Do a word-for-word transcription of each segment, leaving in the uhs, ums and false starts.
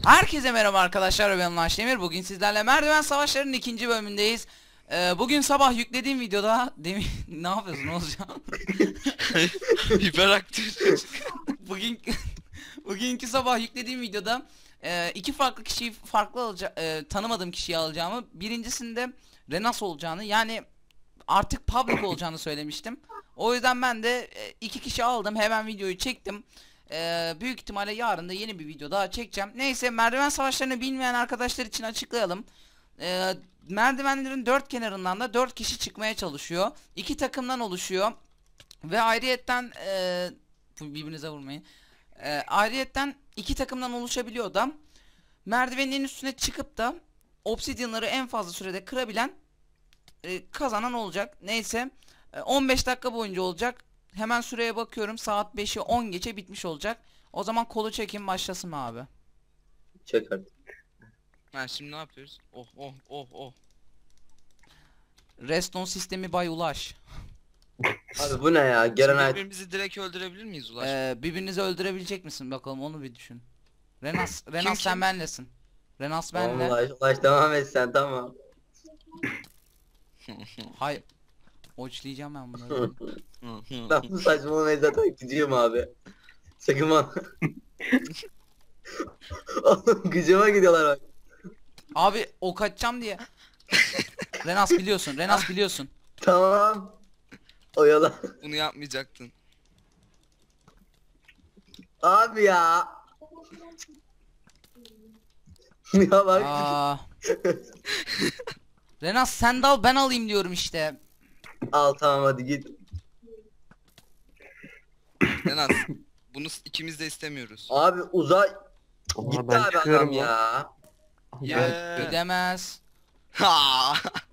Herkese merhaba arkadaşlar, ben Ulaş Demir. Bugün sizlerle Merdiven Savaşları'nın ikinci bölümündeyiz. Ee, bugün sabah yüklediğim videoda demin ne yapıyorsun Oğuzcan? Hiperaktif. Bugün bugünkü sabah yüklediğim videoda e, iki farklı kişiyi farklı alacağım, e, tanımadığım kişiyi alacağımı, birincisinde Renas olacağını, yani artık public olacağını söylemiştim. O yüzden ben de e, iki kişi aldım, hemen videoyu çektim. Ee, büyük ihtimalle yarın da yeni bir video daha çekeceğim. Neyse, merdiven savaşlarını bilmeyen arkadaşlar için açıklayalım. Ee, merdivenlerin dört kenarından da dört kişi çıkmaya çalışıyor. İki takımdan oluşuyor. Ve ayrıyetten e, birbirinize vurmayın. E, ayrıyetten iki takımdan oluşabiliyor da merdivenin üstüne çıkıp da obsidyanları en fazla sürede kırabilen e, kazanan olacak. Neyse, e, on beş dakika boyunca olacak. Hemen süreye bakıyorum, saat beşi on geçe bitmiş olacak. O zaman kolu çekin, başlasın mı abi? Çek artık. Ha, şimdi ne yapıyoruz? Oh oh oh oh. Reston sistemi Bay Ulaş. Abi bu ne ya? Gelen Şimdi ay. birbirimizi direkt öldürebilir miyiz Ulaş? Ee, birbirinizi öldürebilecek misin bakalım, onu bir düşün. Renas, Renas Kim, sen kim? benlesin. Renas benle. Ulaş, ulaş devam et sen, tamam. Hay, oçlayacağım ben bunları. Ben bu saçmalamayı zaten gidiyorum abi. Sakın bana. Oğlum gıcıma gidiyorlar bak. Abi ok atacağım diye. Renas biliyorsun, Renas biliyorsun. Tamam. Oyala. Bunu yapmayacaktın. Abi ya. Ya bak. Aa. Renas sen dal, ben alayım diyorum işte. Al tamam, hadi git. Renas, bunu s- ikimiz de istemiyoruz. Abi uzay. Aa, Gitti ben abi çıkıyorum adam lan. ya. Yeah. Gidemez. Ha.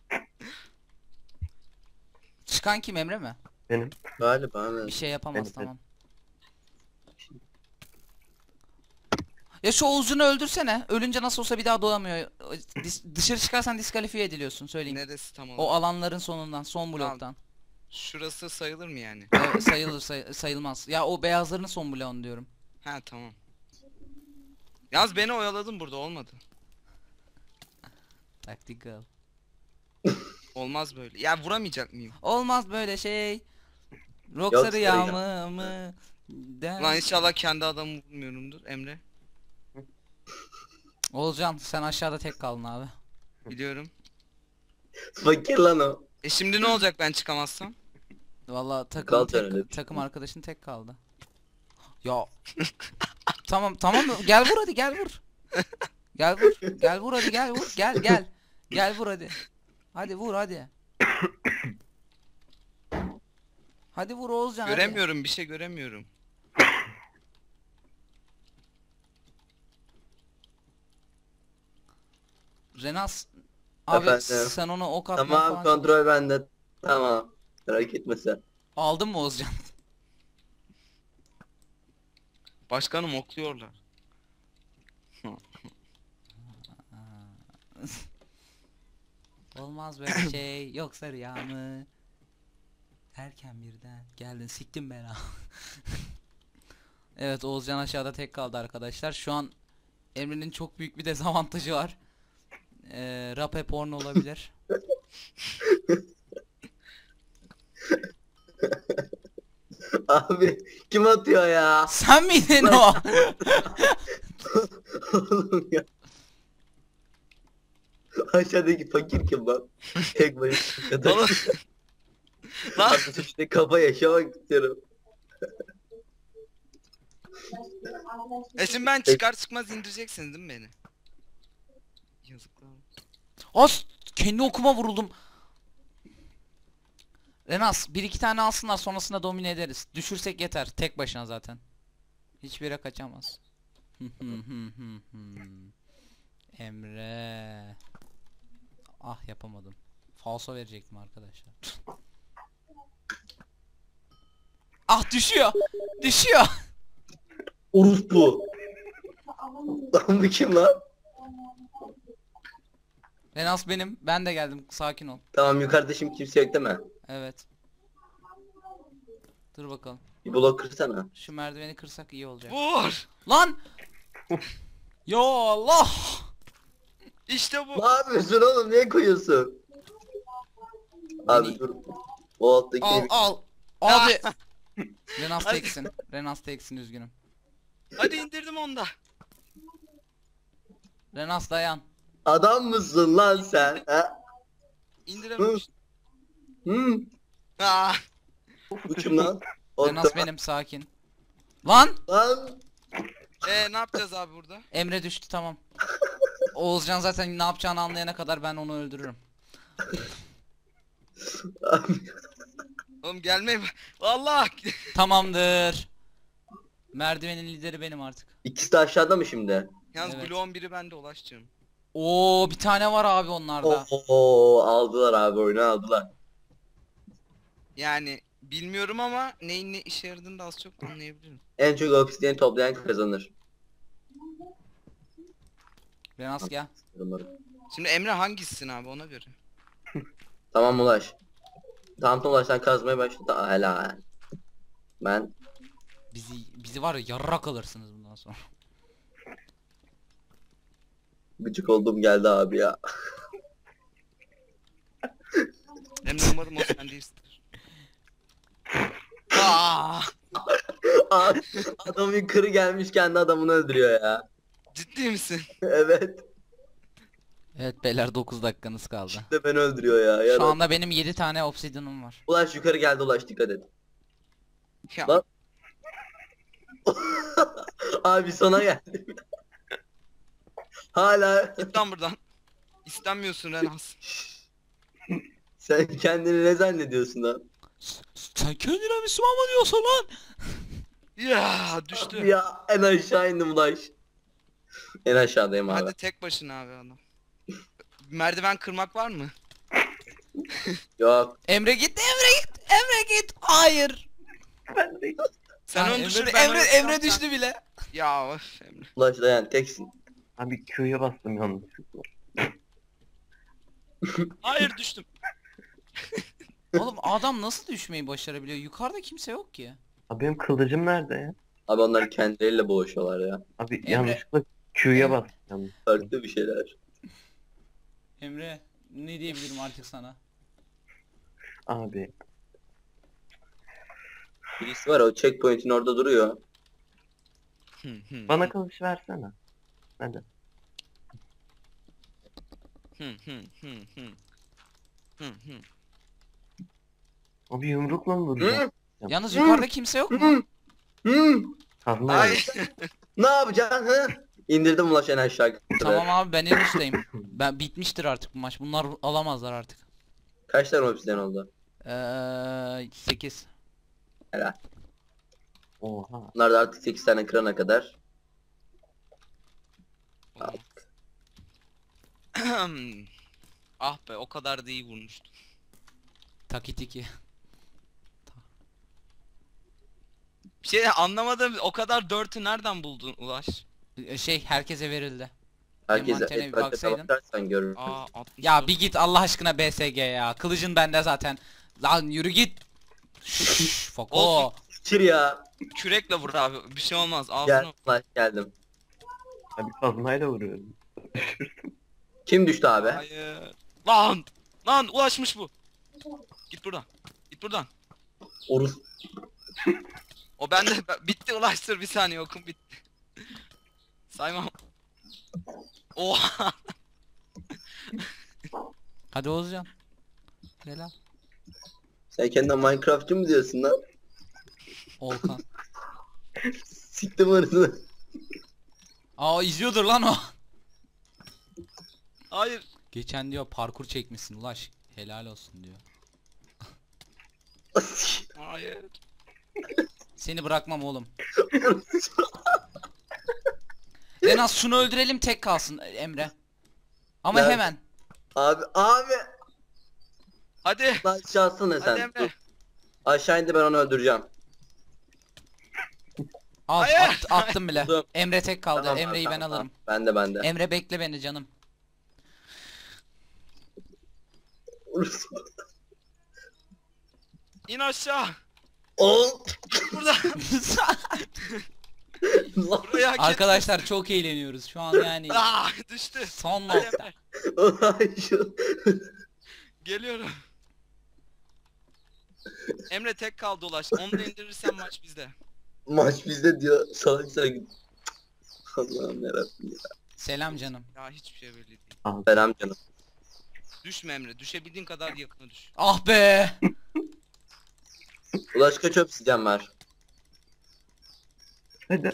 Çıkan kim, Emre mi? Benim. Galiba Bir evet. şey yapamaz, Evet, tamam. Ya şu Oğuzcan'ı öldürsene. Ölünce nasıl olsa bir daha doğamıyor. Dis- dışarı çıkarsan diskalifiye ediliyorsun, söyleyeyim. Neresi tam O olarak? alanların sonundan, son Tamam. bloktan. Şurası sayılır mı yani? Evet, sayılır, say- sayılmaz. Ya o beyazların son bloğunu diyorum. Ha tamam. Yalnız beni oyaladın, burada olmadı. Tactical. Olmaz böyle. Ya vuramayacak mıyım? Olmaz böyle şey. Rock Yok, sarı sarı yağmı mı? Den- Lan inşallah kendi adamı vurmuyorumdur Emre. Oğuzcan sen aşağıda tek kaldın abi. Biliyorum. Fakir lan o. E şimdi ne olacak ben çıkamazsam? Vallahi takım Kal sen tek, öyle bir şey. takım arkadaşın tek kaldı. Ya. Tamam tamam, gel vur hadi, gel vur. Gel vur. Gel vur hadi, gel vur. Gel gel. Gel vur hadi. Hadi vur hadi. Hadi vur Oğuzcan, hadi. Göremiyorum, bir şey göremiyorum. Renas abi, Efendim? sen ona ok atma Tamam, falan. kontrol bende. Tamam. Merak etme sen. Aldın mı Oğuzcan? Başkanım okluyorlar. Olmaz böyle şey. Yok sarı yağmı. Erken birden geldin, siktim bela. Evet, Oğuzcan aşağıda tek kaldı arkadaşlar. Şu an Emre'nin çok büyük bir dezavantajı var. Ee, Rape porno olabilir. Abi kim atıyor ya? Sen miydin o? Oğlum ya. Aşağıdaki fakir kim lan? Tek başına. Oğlum. Lan Artık işte kafa yaşamak istiyorum. e şimdi ben çıkar çıkmaz indireceksiniz değil mi beni? Yazıklar. As, kendi okuma vuruldum. Renas bir iki tane alsınlar, sonrasında domine ederiz. Düşürsek yeter, tek başına zaten. Hiçbir yere kaçamaz. Emre. Ah, yapamadım. Falso verecektim arkadaşlar. Ah, düşüyor. Düşüyor. Urus bu. Lan bu kim lan? Renas benim. Ben de geldim. Sakin ol. Tamam, yukarıda şimdi kimse yok değil mi? Evet. Dur bakalım. Bir blok kırsana. Şu merdiveni kırsak iyi olacak. Vur! Lan! Ya Allah. İşte bu. Ne yapıyorsun oğlum? Niye koyuyorsun? Abi Beni- dur. O alttaki Al al. Abi. Renas Hadi. teksin. Renas teksin, üzgünüm. Hadi indirdim onu da. Renas dayan. adam mısın lan sen? Ha? İndirememiştim. Hı? Aa, Bu kim lan? Renas benim, sakin. Lan. Lan. ee, ne yapacağız abi burada? Emre düştü, tamam. Oğuzcan zaten ne yapacağını anlayana kadar ben onu öldürürüm. Oğlum gelmeyin. Vallahi. Tamamdır. Merdivenin lideri benim artık. İkisi de aşağıda mı şimdi? Yalnız Evet. bloğun biri bende Ulaş'cığım. Oo, bir tane var abi onlarda. Oo, aldılar abi, oyunu aldılar. Yani bilmiyorum ama neyin ne işe yaradığını da az çok anlayabilirim. En çok obsidyen toplayan kazanır. Renas gel. Umarım. Şimdi Emre hangisisin abi ona göre. Tamam Ulaş. Tamam Ulaş, sen kazmaya başladı. Aa, helal. Ben Bizi bizi var ya, yarrak alırsınız bundan sonra. gıcık olduğum geldi abi ya. Emre umarım o sen değilsindir. Aa, Aa, adam yukarı gelmiş, kendi adamını öldürüyor ya. ciddi misin? Evet. Evet beyler, dokuz dakikanız kaldı. De beni öldürüyor ya. ya Şu da- anda benim yedi tane obsidian'ım var. Ulaş yukarı geldi, Ulaş dikkat et. Ya, Lan. Abi sana geldi. Hala git lan buradan. İstenmiyorsun Renas. sen kendini ne zannediyorsun lan? S- Sen kendine Müslüman mı diyorsun lan? Ya düştü. Ya en aşağı indim Ulaş. En aşağıdayım abi. Hadi tek başına abi adam. Merdiven kırmak var mı? Yok. Emre git, Emre git, Emre git. Hayır. Sen Ha, onu Emre, düşür ben Emre, onu Emre tutsam düştü bile. sen- Ya öf Emre. Ulaş dayan, teksin. Abi Q'ya bastım yanlışlıkla. Hayır düştüm. Oğlum adam nasıl düşmeyi başarabiliyor? Yukarıda kimse yok ki. Abi benim kılıcım nerede ya? Abi onlar kendileriyle boğuşuyorlar ya. Abi Emre- yanlışlıkla Q'ya Emre- bastım yanlış. Farklı bir şeyler. Emre, ne diyebilirim artık sana? Abi Birisi var, o checkpoint'in orada duruyor. Hı, hı, bana kılıç versene. Hadi. hı, hı, hı, hı. Hı, hı. Abi yumrukla mı vuracağım? Yalnız Hı. yukarıda kimse yok mu? Hı. Hı. Kazma Hayır. Ne yapacaksın hı? İndirdim Ulaş en aşağı. Tamam abi, ben en üstteyim. Ben bitmiştir artık bu maç. Bunlar alamazlar artık. Kaç tane obsidyen oldu? Eee sekiz. Helal. Oha. Bunlar da artık sekiz tane kırana kadar. Ah be o kadar da iyi vurmuştum. Takitiki. Bir şey anlamadım, o kadar dörtü nereden buldun Ulaş? Şey, herkese verildi. Herkese Envanterine bir etrafına baksaydın. bakarsan görürsün. Aa altmış Ya dört. bir git Allah aşkına B S G ya. Kılıcın bende zaten. Lan yürü git. Şşş, Foko. Olsun. Çır ya. Kürekle vur abi, bir şey olmaz Gel ağzına. Ulaş, geldim. Abi kazmayla vuruyorum. Kim düştü abi? Hayır. Lan! Lan ulaşmış bu. Git buradan. Git buradan. Orus. O bende bitti ulaştır bir saniye okum bitti. Saymam. Oha. Hadi Oğuzcan. Helal. Sen kendine Minecraft'cı mı diyorsun lan? Olkan. Siktim arasını. Aa, izliyordur lan o. Hayır. Geçen diyor parkur çekmişsin Ulaş. Helal olsun diyor. Hayır. Seni bırakmam oğlum. Renas şunu öldürelim, tek kalsın Emre. Ama Nerede? hemen. Abi abi. Hadi. Lan aşağısana Hadi sen. Emre. Dur. Aşağı indi, ben onu öldüreceğim. Al, Hayır. at- attım bile. Dur. Emre tek kaldı. Tamam, Emre'yi tamam, ben tamam. alırım. Ben de ben de. Emre bekle beni canım. Orus. İn aşağı. Ol. Burada. Buraya hak Arkadaşlar çok eğleniyoruz şu an yani. ettin. Aa, düştü. Son Hadi nokta. Emre, Ulan şu. geliyorum. Emre tek kaldı Ulaş. Onu da indirirsen maç bizde. Maç bizde diyor. Salak salak. Allah'ım yarabbim ya. Selam canım. Ya hiçbir şey belli değil. Selam canım. Düşme Emre. Düşebildiğin kadar yakına düş. Ah be. Ulaş kaç obsidyen var? Hadi.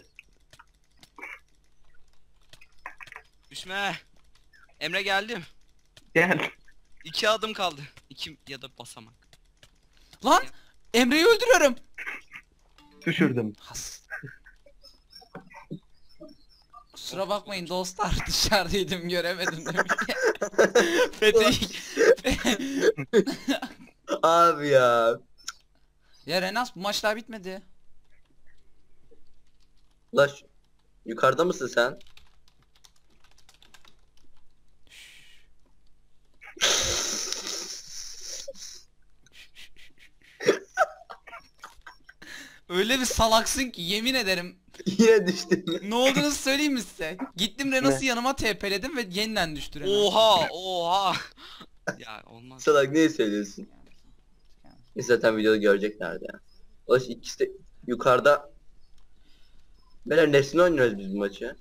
Düşme. Emre geldim. Gel. İki adım kaldı. İki ya da basamak. Lan Emre'yi öldürüyorum. Düşürdüm. Has. Kusura bakmayın dostlar, dışarıdaydım göremedim demek ki. Fethi. Abi ya. Ya Renas bu maç daha bitmedi. Ulaş. Yukarıda mısın sen? Öyle bir salaksın ki yemin ederim. Yine düştün. Ne olduğunu söyleyeyim mi size? Gittim Renas'ı yanıma T P'ledim ve yeniden düştü Renas. Oha oha. Ya olmaz. Salak ne söylüyorsun? Biz zaten videoda göreceklerdi ya. Ulaş ikisi de yukarıda. Beyler nesini oynuyoruz biz bu maçı?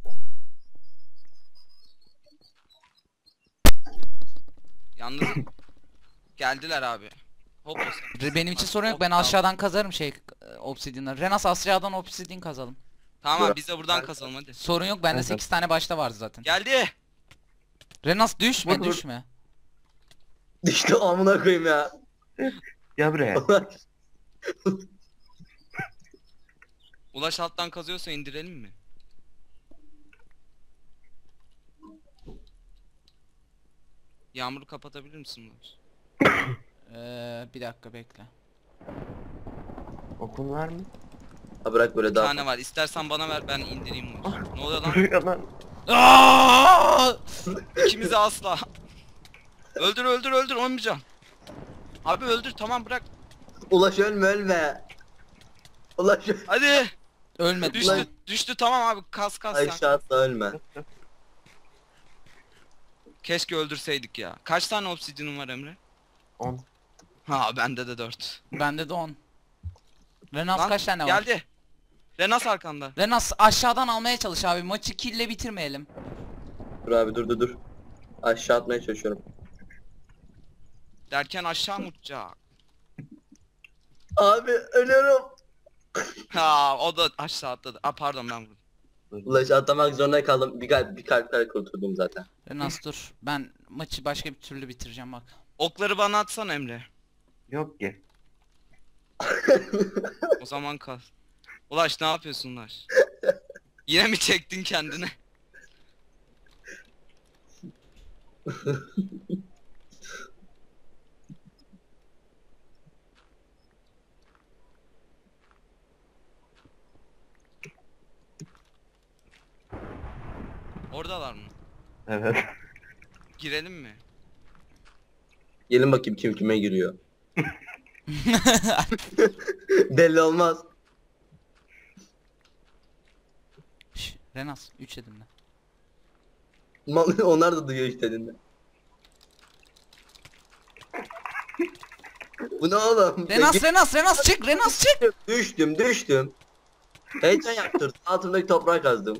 Yalnız geldiler abi. Hop olsun. Benim için sorun yok, ben aşağıdan kazarım şey obsidian'ları. Renas aşağıdan obsidian kazalım. Tamam biz de buradan kazalım hadi. Sorun yok, bende Evet. sekiz tane başta vardı zaten. Geldi. Renas düşme Vur, vur. düşme. Düştü amına koyayım ya. Gel buraya. Ulaş. Ulaş alttan kazıyorsa indirelim mi? Yağmuru kapatabilir misin Ulaş? Ee, bir dakika bekle. Okun var mı? Ha bırak böyle Bir daha. tane var. İstersen bana ver ben indireyim Ulaş. Ne oluyor lan? Buraya lan. Aa! İkimizi asla. Öldür öldür öldür olmayacağım. Abi öldür tamam bırak. Ulaş ölme ölme. Ulaş ölme. Hadi. Ölmedi. Düştü Ulan. düştü tamam abi kas kas sen. Aşağı atla ölme. Keşke öldürseydik ya. Kaç tane obsidian'ın var Emre? On. Ha bende de dört. Bende de on. Renas Lan, kaç tane var? geldi. Renas arkanda. Renas aşağıdan almaya çalış abi. Maçı kille bitirmeyelim. Dur abi dur dur dur. Aşağı atmaya çalışıyorum. Derken aşağı mı uçacak? Abi ölüyorum. Ha o da aşağı atladı. Aa pardon ben vurdum. Ulaş atlamak zorunda kaldım. Bir kalp bir kalp kare kurtuldum zaten. Renas dur. Ben maçı başka bir türlü bitireceğim bak. Okları bana atsana Emre. Yok ki. O zaman kal. Ulaş ne yapıyorsun Ulaş? Yine mi çektin kendini? Oradalar mı? Evet. Girelim mi? Gelin bakayım kim kime giriyor. Belli olmaz. Şş, Renas üç dedim ben. Mal- Onlar da duyuyor işte dediğinde. Bu ne oğlum? Renas Git- Renas Renas çık Renas çık. Düştüm düştüm. Heyecan yaptırdım. Altındaki toprağı kazdım.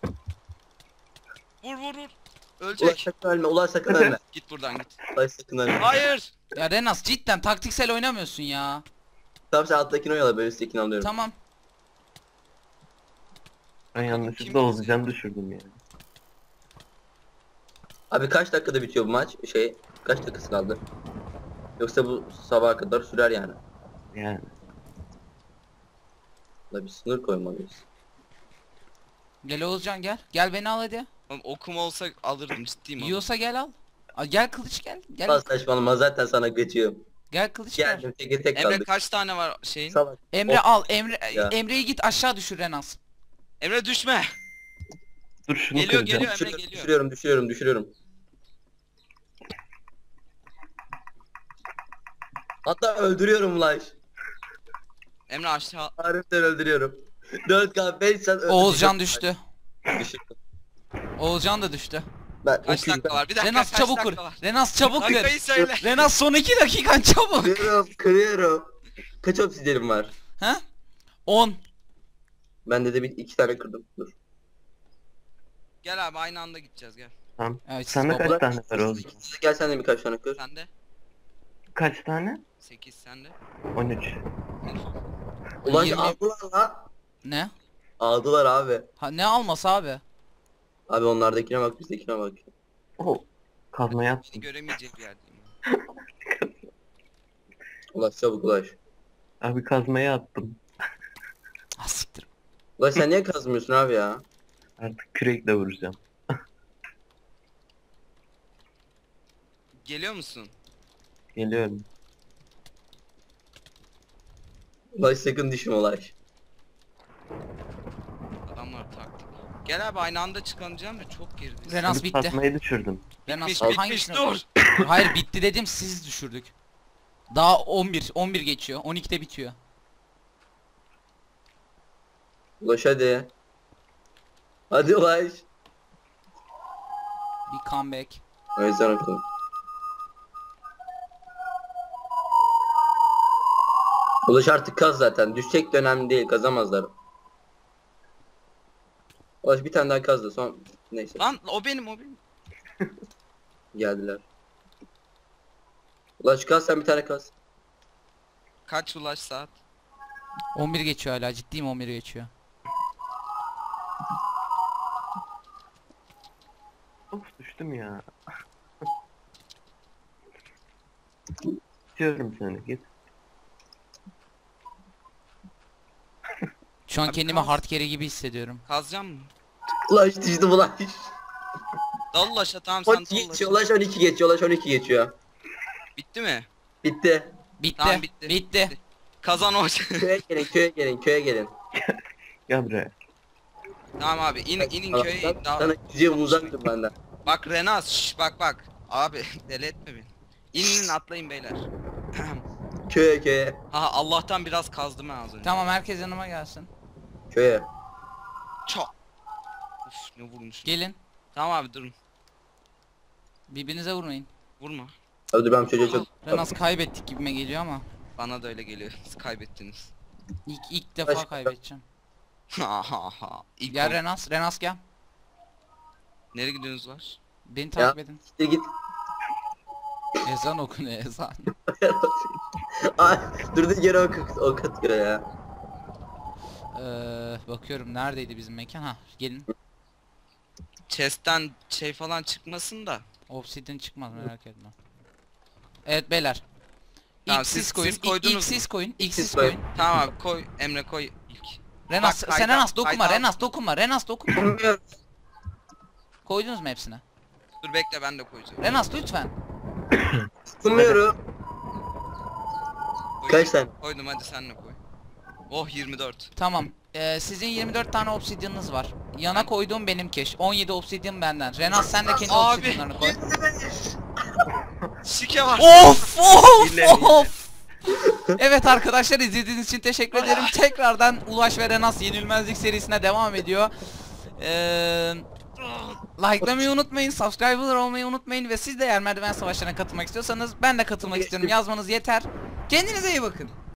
Vur vur vur. Ulaş Ölecek. sakın ölme. Ulaş sakın ölme. Git buradan git. Ulaş sakın ölme. Hayır. Ya Renas cidden taktiksel oynamıyorsun ya. Tamam sen alttakini oyala ben üsttekini alıyorum. Tamam. Ben Kim yanlışlıkla Oğuzcan'ı düşürdüm yani. Abi kaç dakikada bitiyor bu maç? Şey kaç dakikası kaldı? Yoksa bu sabaha kadar sürer yani. Yani. La bir sınır koymalıyız. Gel Oğuzcan gel. Gel beni al hadi. Oğlum okum olsa alırdım ciddiyim ama. Yiyorsa gel al. Al, gel kılıç gel. Gel. Lan saçmalama zaten sana geçiyorum. Gel kılıç gel. Geldim tek tek Emre kaldık. kaç tane var şeyin? Salak. Emre Of. al. Emre Ya. Emre'yi git aşağı düşür Renas. Emre düşme. Dur şunu Geliyor, kıracağım. geliyor. Emre Düşürüyorum, geliyor. düşürüyorum düşürüyorum düşürüyorum. Hatta öldürüyorum Ulaş. Emre aşağı. Harbiden öldürüyorum. dört K beş sen Oğulcan düştü. Düşün. Oğulcan da düştü. Ben Kaç okuyayım. dakika var? Bir dakika Renas kaç çabuk kır. dakika var? Renas çabuk kır. Dakikayı söyle. Renas son iki dakikan çabuk. Kırıyorum, kırıyorum. Kaç obsidiyenim var? He? on. Bende de bir iki tane kırdım. Dur. Gel abi aynı anda gideceğiz gel. Tamam. Evet, siz Sende baba- kaç tane var oğlum? Gel sen de birkaç tane kır. Sende? Kaç tane? sekiz sende. on üç. Ulan Yirmi- aldılar la. Ne? Aldılar abi. Ha, ne alması abi? Abi onlardakine bak bizdekine bak. Oh. Kazmaya Beni attım. göremeyecek bir yerdeyim. Ulaş çabuk ulaş. Abi kazmaya attım. Ah siktir. Ulaş sen niye kazmıyorsun abi ya? Artık kürekle vuracağım. Geliyor musun? Geliyorum. Ulaş sakın düşme ulaş. Adamlar taktik. Gel abi aynı anda çıkanacağım da çok geride. Renas Abi bitti. kazmayı düşürdüm. Renas Bitmiş bitmiş hangisini? dur. Hayır bitti dedim, siz düşürdük. Daha on bir on bir geçiyor. on ikide bitiyor. Ulaş hadi. Hadi ulaş. Bir comeback. O yüzden okudum. Ulaş artık kaz zaten. Düşecek de önemli değil. Kazamazlar. Ulaş bir tane daha kaz da son. Neyse. Lan o benim o benim. Geldiler. Ulaş kaz sen bir tane kaz. Kaç ulaş saat? on bir geçiyor hala, ciddiyim, on bir geçiyor. Of düştüm ya. İstiyorum seni git. Şu an Abi kendimi kaz. hard carry gibi hissediyorum. Kazacağım mı? Ulaş düştüm ulaş. Dal ulaşa tamam sen on dal iki ulaşa. geçiyor. Ulaş on iki geçiyor. Ulaş on iki geçiyor. Bitti mi? Bitti. Bitti. Tamam, bitti. Bitti. Kazan o. Köye gelin köye gelin köye gelin. Gel buraya. Tamam abi in, inin Sana- köye in. Sana gideceğim uzak dur benden. Bak Renas şş, bak bak. Abi deli etme beni. İnin inin atlayın beyler. Köye köye. Aha Allah'tan biraz kazdım ben az önce. Tamam, herkes yanıma gelsin. Köye. Çok. Uf ne vurmuş. Gelin. Tamam abi durun. Birbirinize vurmayın. Vurma. Abi dur ben bu çocuğa çok... Renas kaybettik gibime geliyor ama. Bana da öyle geliyor. Siz kaybettiniz. İlk, ilk defa Başka- kaybedeceğim. Ha ha ha. İlk Gel ol- Renas. Renas gel. Nereye gidiyorsunuz var? Beni takip edin. Git git. Ezan okunuyor, ezan. Ay durduğu yere ok, ok atıyor ya. Ee, bakıyorum neredeydi bizim mekan. Ha, gelin. Chest'ten şey falan çıkmasın da. Obsidian çıkmaz, merak etme. Evet beyler. Tamam, İlk siz- siz koyun. siz ilk, koydunuz ilk siz mu? koyun. İlk siz siz koyun. koyun. Tamam abi koy Emre koy ilk. Renas Bak, sen kayda- Renas dokunma. kayda- Renas dokunma. Renas dokunma. Bilmiyorum. Koydunuz mu hepsine? Dur bekle ben de koyacağım. Renas lütfen. Bilmiyorum. Koy- Kaç tane? Koydum hadi sen de koy. Oh yirmi dört. Tamam. Ee, sizin yirmi dört tane obsidianınız var. Yana koyduğum benimki. on yedi obsidian benden. Renas sen de kendi Abi. obsidianlarını koy. Şike var. Of of Hile, hile. of. Evet arkadaşlar, izlediğiniz için teşekkür ederim. Tekrardan Ulaş ve Renas yenilmezlik serisine devam ediyor. Ee, Like'lamayı unutmayın, subscriber olmayı unutmayın ve siz de eğer merdiven savaşlarına katılmak istiyorsanız ben de katılmak istiyorum yazmanız yeter. Kendinize iyi bakın.